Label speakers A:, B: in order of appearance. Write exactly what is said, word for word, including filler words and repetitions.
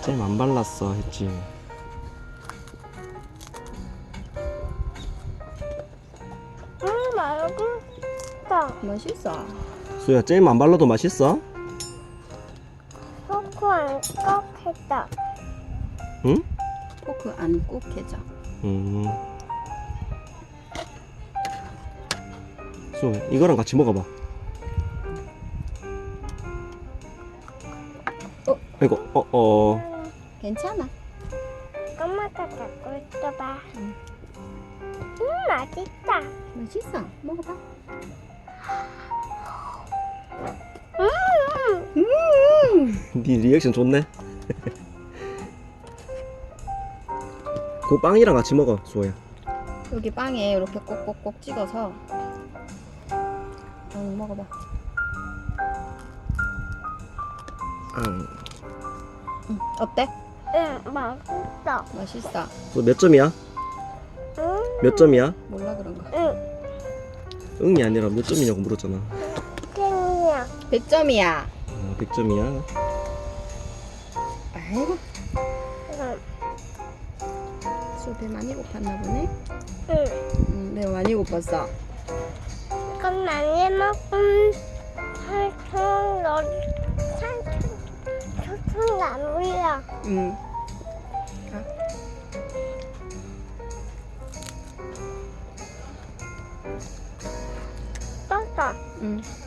A: 잼 안 발랐어 했지.
B: 음, 맛있다.
C: 맛있어.
A: 수야, 잼 안 발라도 맛있어?
B: 초코 안 꺽했다.
A: 응?
C: 포크 안 꼭 해줘.
A: 음. 수, 이거랑 같이 먹어봐.
C: 어?
A: 이거, 어, 어.
C: 괜찮아.
B: 엄마가 갖고 있어봐.
C: 응.
B: 음, 맛있다.
C: 맛있어. 먹어봐.
B: 음,
C: 음.
A: 네 리액션 좋네. 그 빵이랑 같이 먹어, 수호야.
C: 여기 빵에 이렇게 꼭꼭꼭 찍어서. 응, 먹어봐.
A: 응.
C: 응. 어때?
B: 응, 맛있어.
C: 맛있어.
A: 몇 점이야?
B: 음,
A: 몇 점이야?
C: 몰라 그런가?
B: 응,
A: 응이 아니라 몇 점이냐고 물었잖아.
B: 땡이야.
C: 백 점이야.
A: 아, 백 점이야.
C: 아이고,
B: 응,
C: 배 많이 고팠나 보네.
B: 응.
C: 응, 배 많이 고팠어.
B: 이건 많이 먹으면 살짝 너 살짝 조금 안 올려.
C: 응. 가.
B: 떴어.
C: 응.